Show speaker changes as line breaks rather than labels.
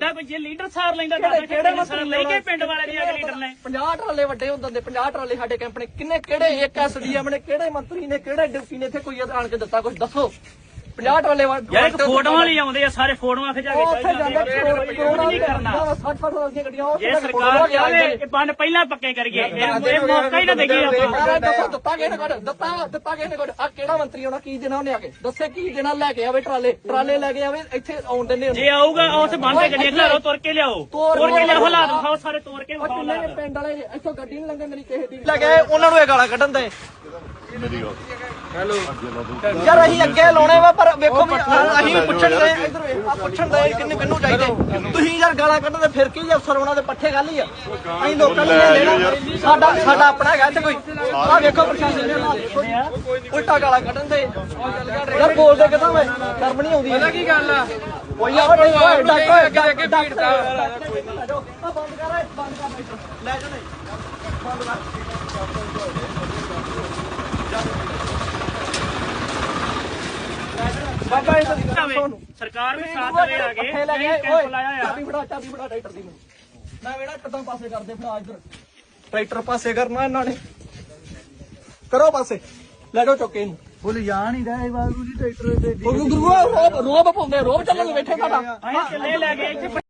ਲੈਂਦਾ ਕੋਈ, ਜੇ ਲੀਡਰ ਸਾਰ ਲੈਂਦਾ ਕਿਹੜੇ ਸਾਰ ਲੈ ਕੇ ਪਿੰਡ ਵਾਲੇ ਦੀ ਅਗਲੇ ਲੀਡਰ ਨੇ
50 ਟਰਾਲੇ ਵੱਡੇ ਹੁੰਦੇ 50 ਟਰਾਲੇ ਸਾਡੇ ਕੈਂਪ ਨੇ ਕਿੰਨੇ ਕਿਹੜੇ ਇੱਕ ਐਸਡੀਐਮ ਨੇ ਕਿਹੜੇ ਮੰਤਰੀ ਨੇ ਕਿਹੜੇ ਡਿਪਟੀ ਨੇ ਇੱਥੇ ਕੋਈ ਆਣ ਕੇ ਦਿੱਤਾ ਕੁਝ ਦੱਸੋ 50 ਟਰਾਲੇ
ਯਾਰ ਇੱਕ ਫੋਟੋਆਂ ਲਈ ਆਉਂਦੇ ਆ ਸਾਰੇ ਫੋਟੋਆਂ ਖਿਚਾ ਕੇ ਚੱਲ ਜਾਂਦੇ ਨਹੀਂ ਕਰਨਾ
60 ਦੀਆਂ ਗੱਡੀਆਂ
ਜੇ ਸਰਕਾਰ ਚਾਹੇ ਕਿ ਬੰਨ ਪਹਿਲਾਂ ਪੱਕੇ ਕਰੀਏ ਇਹ ਮੌਕਾ ਹੀ ਨਾ ਦੇਈਏ ਆਪਾਂ
ਦਿੱਤਾ ਕਿਹਨੇ ਕੋਲ ਦਿੱਤਾ ਕਿਹਨੇ ਕੋਲ ਆ ਕਿਹੜਾ ਮੰਤਰੀ ਹੋਣਾ ਕੀ ਦੇਣਾ ਉਹਨੇ ਆ ਕੇ ਦੱਸੇ ਕੀ ਦੇਣਾ ਲੈ ਕੇ ਆਵੇ ਟਰਾਲੇ ਲੈ ਕੇ ਆਵੇ ਇੱਥੇ ਆਉਣ ਦਿੰਦੇ
ਜੇ ਆਊਗਾ ਉਸ ਬੰਨ ਤੇ ਗੱਡੀਆਂ ਖਿਲਾਰੋ ਤੁਰ ਕੇ ਲਿਆਓ ਹਾਲਾਤ ਵਿਖਾਓ ਸਾਰੇ ਤੋੜ ਕੇ ਵਿਖਾਓ
ਪਿੰਡ ਵਾਲੇ ਇੱਥੋਂ ਗੱਡੀ ਨਹੀਂ ਲੰਘਣ ਦੇਣੀ ਕਿਸੇ ਦੀ ਲੈ ਕੇ ਉਹਨਾਂ ਨੂੰ ਇਹ ਗਾਲਾਂ ਕੱਢਣ ਦੇ ਹੈਲੋ ਯਾਰ ਅਸੀਂ ਅੱਗੇ ਲਾਉਣੇ ਵਾ ਪਰ ਵੇਖੋ ਅਸੀਂ ਪੁੱਛਣ ਦੇ ਇਧਰ ਆ ਪੁੱਛਣ ਦੇ ਕਿੰਨੂੰ ਚਾਹੀਦੇ ਤੁਸੀਂ ਯਾਰ ਗਾਲਾਂ ਕੱਢਦੇ ਫਿਰ ਕੀ ਜੇ ਅਫਸਰ ਉਹਨਾਂ ਦੇ ਪੱਠੇ ਗੱਲ ਹੀ ਆ ਅਸੀਂ ਲੋਕਾਂ ਨੂੰ ਲੈਣਾ ਸਾਡਾ ਆਪਣਾ ਹੈਗਾ ਇੱਥੇ ਕੋਈ ਆ ਵੇਖੋ ਪ੍ਰਸ਼ਾਸਨ ਨੇ ਉਲਟਾ ਗਾਲਾਂ ਕੱਢਣ ਦੇ ਯਾਰ ਬੋਲਦੇ ਕਿਦਾਂ ਵੇ ਸ਼ਰਮ ਨਹੀਂ ਆਉਂਦੀ ਪਤਾ ਕੀ ਗੱਲ ਆ ਕੋਈ ਆ ਅੱਗੇ ਭੀੜ ਦਾ ਬੰਦ ਕਰ ਲੈ ਜਾਓ ਬੰਦ ਕਰ ਬਾਬਾ ਇਹ
ਸਰਕਾਰ ਵੀ ਸਾਥ ਦੇਵੇ ਆ ਗਏ ਕੈਂਪ ਲਾਇਆ ਆ
ਚਾਬੀ ਫੜਾ ਟਰੈਕਟਰ ਦੀ ਮੈਂ ਵੇੜਾ ਟੱਟਾਂ ਪਾਸੇ ਕਰਦੇ ਫੜਾ ਇੱਧਰ ਟਰੈਕਟਰ ਪਾਸੇ ਕਰਨਾ ਇਹਨਾਂ ਨੇ ਕਰੋ ਪਾਸੇ ਲੈ ਜਾਓ ਚੁੱਕੇ ਇਹਨੂੰ
ਬੋਲ ਜਾਣ ਹੀ ਰਹੇ ਬਾਬੂ ਜੀ ਟਰੈਕਟਰ ਦੇ
ਗੁਰੂ ਰੋਬ ਪਾਉਂਦੇ ਰੋਬ ਚੱਲਣ ਬੈਠੇ ਸਾਡਾ
ਅਸੀਂ ਚੱਲੇ ਲੈ ਗਏ ਇੱਥੇ